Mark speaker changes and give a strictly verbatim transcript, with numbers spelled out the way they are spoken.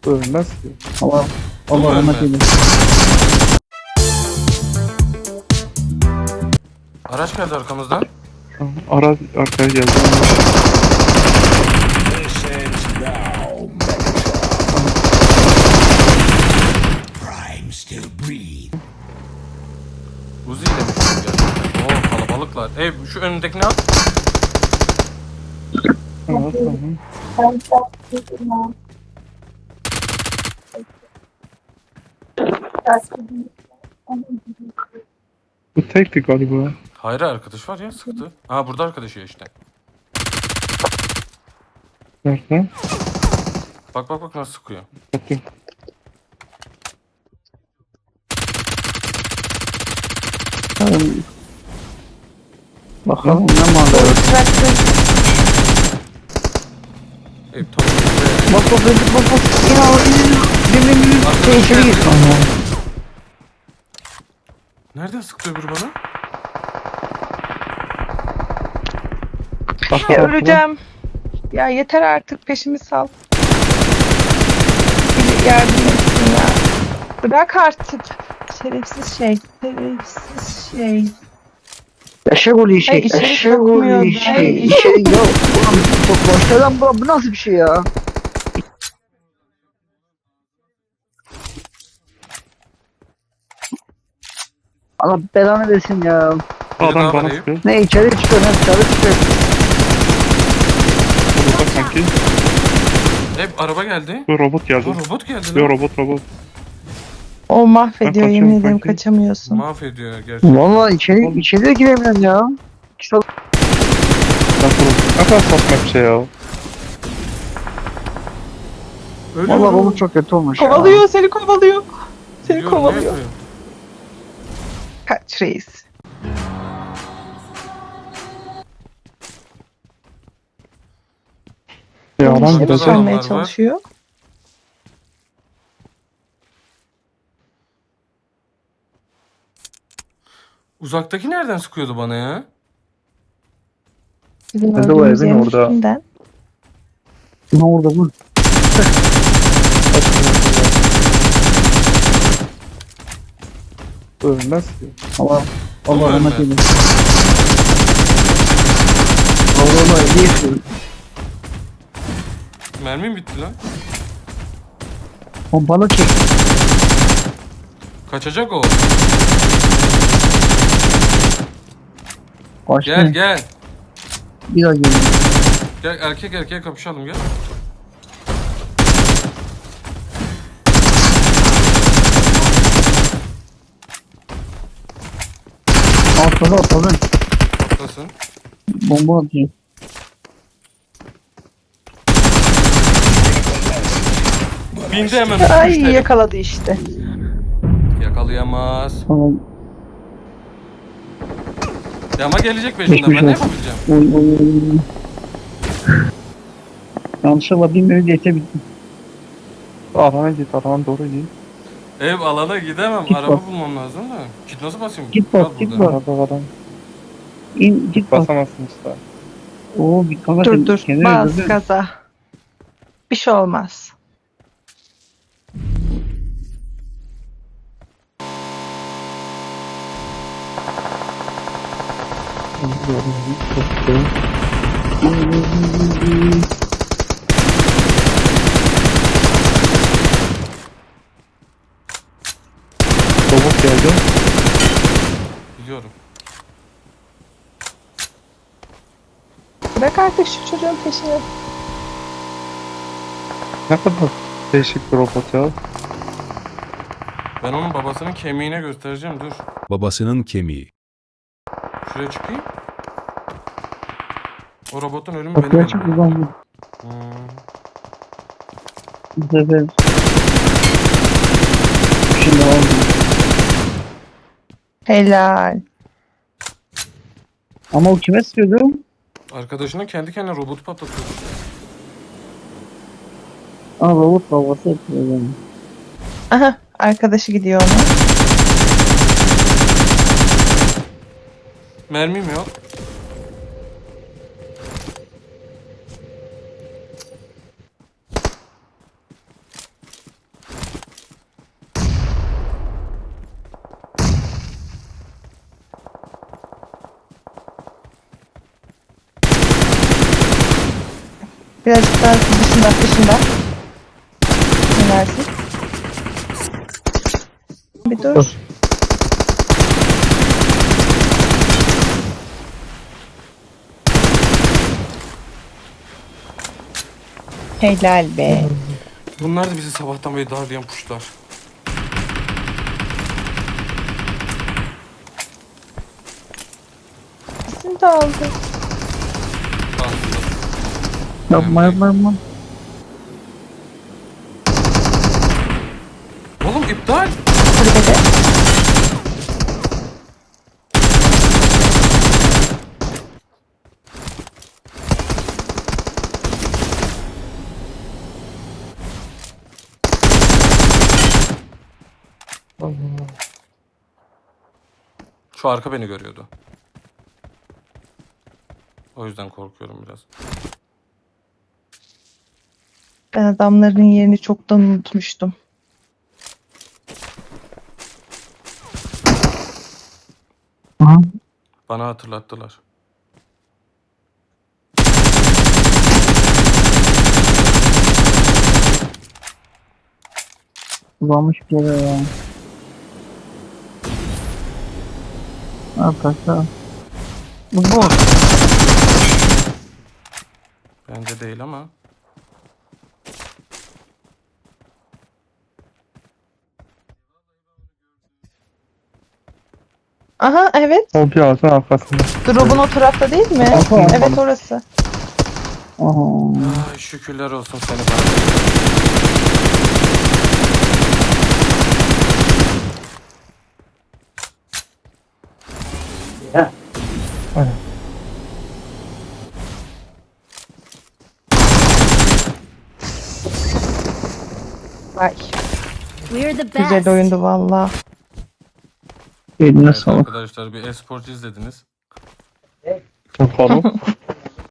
Speaker 1: Ölmez ki.
Speaker 2: Allah
Speaker 3: Bu mu
Speaker 2: Allah rahmet
Speaker 3: ölmez?
Speaker 2: eylesin.
Speaker 3: Araç geldi arkamızdan.
Speaker 1: Tamam, ara arkaya geldi.
Speaker 4: This ends now, Megatron. Prime still breathe.
Speaker 3: Uzi ile mi çıktı gerçekten? Oo kalabalıklar. Ey şu önündekini al.
Speaker 1: Tamam, tamam. Bu tekti galiba.
Speaker 3: Hayır arkadaş var ya sıktı. Aa burada arkadaşı ya işte.
Speaker 1: Nerede?
Speaker 3: Bak bak bak nasıl sıkıyor.
Speaker 1: Bakayım.
Speaker 2: Bakalım. Bakalım ne mal
Speaker 3: Ey top.
Speaker 2: Bak bak bak bak bak. Ya bin bin bin. Şey içeri gir.
Speaker 3: Nereden sıktı öbürü bana?
Speaker 1: Bak,
Speaker 5: Ya
Speaker 1: bak,
Speaker 5: öleceğim. Ya yeter artık peşimi sal. Bir yardım etsin ya. Bırak artık. Şerefsiz şey. Şerefsiz şey.
Speaker 2: Eşek oluyor şey.
Speaker 5: Ay, içeri
Speaker 2: Eşek
Speaker 5: sokmuyor.
Speaker 2: oluyor şey.
Speaker 5: Ay.
Speaker 2: İçeri ya. Ulan çok başta lan bu, bu nasıl bir şey ya? Allah belanı versin ya.
Speaker 3: Biri
Speaker 1: Adam
Speaker 3: daha
Speaker 1: bana
Speaker 3: var Eyüp.
Speaker 1: sıkıyor.
Speaker 2: Ne içeri çıkıyor ne dışarı çıkıyor.
Speaker 1: Burada sanki.
Speaker 3: Ey araba geldi.
Speaker 1: Bu robot geldi.
Speaker 3: Aa robot geldi
Speaker 1: Yo
Speaker 3: lan.
Speaker 1: robot robot.
Speaker 5: O mahvediyor
Speaker 1: Ben
Speaker 5: yemin
Speaker 1: kaçıyorum
Speaker 5: ederim
Speaker 1: kanki.
Speaker 5: kaçamıyorsun.
Speaker 3: Mahvediyor gerçekten.
Speaker 2: Valla içeri, içeri de giremiyorum ya. Çok
Speaker 1: Nasıl? Ne kadar saçma bir şey ya.
Speaker 3: Ölüyorum.
Speaker 2: valla robot çok kötü olmuş ya.
Speaker 5: Kovalıyor seni kovalıyor. Seni
Speaker 3: Biliyorum, ne
Speaker 5: kovalıyor.
Speaker 3: yapıyor?
Speaker 5: Kaç reis.
Speaker 1: Ya lan
Speaker 5: İşte
Speaker 1: gidecek.
Speaker 3: adamlar
Speaker 5: göstermeye
Speaker 3: var.
Speaker 5: çalışıyor.
Speaker 3: Uzaktaki nereden sıkıyordu bana ya?
Speaker 5: Bizim
Speaker 2: Hadi o
Speaker 5: öldüğümüz
Speaker 2: evin
Speaker 5: yerin
Speaker 2: orada.
Speaker 5: üstünden.
Speaker 2: Ne orada bu?
Speaker 1: Ölmez ki.
Speaker 2: Allah Allah
Speaker 3: Ulan
Speaker 2: rahmet
Speaker 3: ben.
Speaker 2: eylesin. Allah Allah ne yaşıyor?
Speaker 3: Mermim bitti lan.
Speaker 2: Pompalı çek.
Speaker 3: Kaçacak o.
Speaker 2: Kaçtı.
Speaker 3: Gel gel.
Speaker 2: Bir daha geliyor.
Speaker 3: Gel erkek erkeğe kapışalım gel.
Speaker 2: Atladı atladı.
Speaker 3: Nasıl?
Speaker 2: Bomba atıyor.
Speaker 3: Bindi hemen.
Speaker 5: Ay
Speaker 3: Müşteri.
Speaker 5: yakaladı işte.
Speaker 3: Yakalayamaz.
Speaker 2: Tamam.
Speaker 3: Ya ama gelecek peşinden
Speaker 2: Geçmiş
Speaker 3: ben ne
Speaker 2: olsun.
Speaker 3: yapabileceğim?
Speaker 2: Oy oy oy. Yanlışlıkla bilmiyorum diyete bitti.
Speaker 1: Alana git, alana doğru git.
Speaker 3: Ev alana gidemem.
Speaker 2: Git
Speaker 3: Araba
Speaker 2: bak.
Speaker 3: bulmam lazım da. Git nasıl basayım?
Speaker 2: Git
Speaker 3: Kal
Speaker 2: bak, git
Speaker 3: burada.
Speaker 2: bak.
Speaker 1: Arada adam.
Speaker 2: İn git bak.
Speaker 1: Basamazsın usta.
Speaker 2: Oo bir kanka
Speaker 5: Dur dur
Speaker 2: kendini
Speaker 5: bas
Speaker 2: öldürdün.
Speaker 5: gaza. Bir şey olmaz.
Speaker 1: Robot geldi.
Speaker 3: Biliyorum.
Speaker 5: Bırak artık şu çocuğun peşini.
Speaker 1: Ne kadar değişik bir robot ya.
Speaker 3: Ben onun babasının kemiğine göstereceğim. Dur.
Speaker 4: Babasının kemiği.
Speaker 3: Şuraya çıkayım. O robotun ölümü
Speaker 2: Kapıyı
Speaker 3: benim
Speaker 2: açıp
Speaker 3: elimde.
Speaker 2: buradan vur.
Speaker 3: Hmm.
Speaker 2: Bu sefer. Şimdi oldu.
Speaker 5: Helal.
Speaker 2: Ama o kime sıkıyordu?
Speaker 3: Arkadaşına kendi kendine robotu patlatıyor.
Speaker 2: Aa robot babası yapıyor yani.
Speaker 5: Aha arkadaşı gidiyor ona.
Speaker 3: Mermim yok.
Speaker 5: Birazcık daha dışında dışında. Ne dersin? Bir dur. Helal be.
Speaker 3: Bunlar da bizi sabahtan beri darlayan puşlar.
Speaker 5: İkisini de aldı.
Speaker 2: Yapma yapma yapma.
Speaker 3: Oğlum iptal.
Speaker 5: Kulübede.
Speaker 3: Şu arka beni görüyordu. O yüzden korkuyorum biraz.
Speaker 5: Ben adamların yerini çoktan unutmuştum.
Speaker 2: Aha.
Speaker 3: Bana hatırlattılar.
Speaker 2: Kullanmış bir yere ya. Arkadaşlar. Bu bot.
Speaker 3: Bence değil ama.
Speaker 5: Aha evet.
Speaker 1: O bir ağacın arkasında.
Speaker 5: Drop'un o tarafta değil mi?
Speaker 1: Aha.
Speaker 5: Evet orası.
Speaker 2: Aha.
Speaker 3: Ay şükürler olsun seni bana.
Speaker 5: Vay.
Speaker 6: We're the
Speaker 5: Güzel
Speaker 6: best.
Speaker 5: oyundu valla.
Speaker 2: Eline
Speaker 3: Evet
Speaker 2: sağlık.
Speaker 3: arkadaşlar bir e-sport izlediniz.
Speaker 1: Bakalım.